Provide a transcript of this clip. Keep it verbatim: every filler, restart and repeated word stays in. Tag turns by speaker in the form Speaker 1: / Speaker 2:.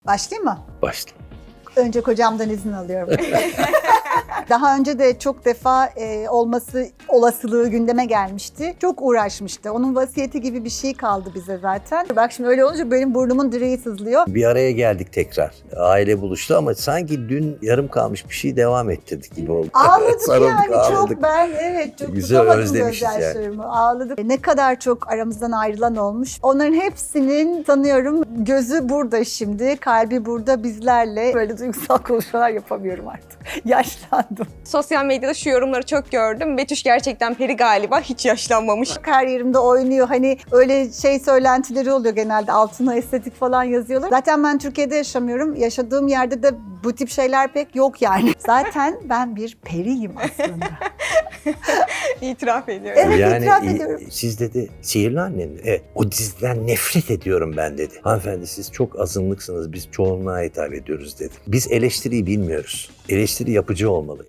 Speaker 1: Başlayayım mı?
Speaker 2: Başla.
Speaker 1: Önce kocamdan izin alıyorum. Daha önce de çok defa e, olması olasılığı gündeme gelmişti. Çok uğraşmıştı. Onun vasiyeti gibi bir şey kaldı bize zaten. Bak şimdi öyle olunca benim burnumun direği sızlıyor.
Speaker 2: Bir araya geldik tekrar. Aile buluştu ama sanki dün yarım kalmış bir şey devam ettirdik gibi oldu.
Speaker 1: Ağladık
Speaker 2: Sarıldık,
Speaker 1: yani
Speaker 2: ağladık.
Speaker 1: çok ben evet çok
Speaker 2: Güzel
Speaker 1: tutamadım
Speaker 2: özlemişiz yani.
Speaker 1: gözyaşlarımı. Ağladık. Ne kadar çok aramızdan ayrılan olmuş. Onların hepsinin sanıyorum gözü burada şimdi, kalbi burada bizlerle. Böyle duygusal konuşmalar yapamıyorum artık. Yaşlandım.
Speaker 3: Sosyal medyada şu yorumları çok gördüm. Betüş gerçekten peri galiba, hiç yaşlanmamış.
Speaker 1: Her yerimde oynuyor. Hani öyle şey söylentileri oluyor genelde. Altına estetik falan yazıyorlar. Zaten ben Türkiye'de yaşamıyorum. Yaşadığım yerde de bu tip şeyler pek yok yani. Zaten ben bir periyim aslında.
Speaker 3: İtiraf ediyorum.
Speaker 1: Evet,
Speaker 2: yani
Speaker 1: itiraf
Speaker 2: i-
Speaker 1: ediyorum.
Speaker 2: siz dedi sihirli annem dedi. Evet, o diziden nefret ediyorum ben dedi. Hanımefendi siz çok azınlıksınız, biz çoğunluğa hitap ediyoruz dedi. Biz eleştiriyi bilmiyoruz. Eleştiri yapıcı olmalı.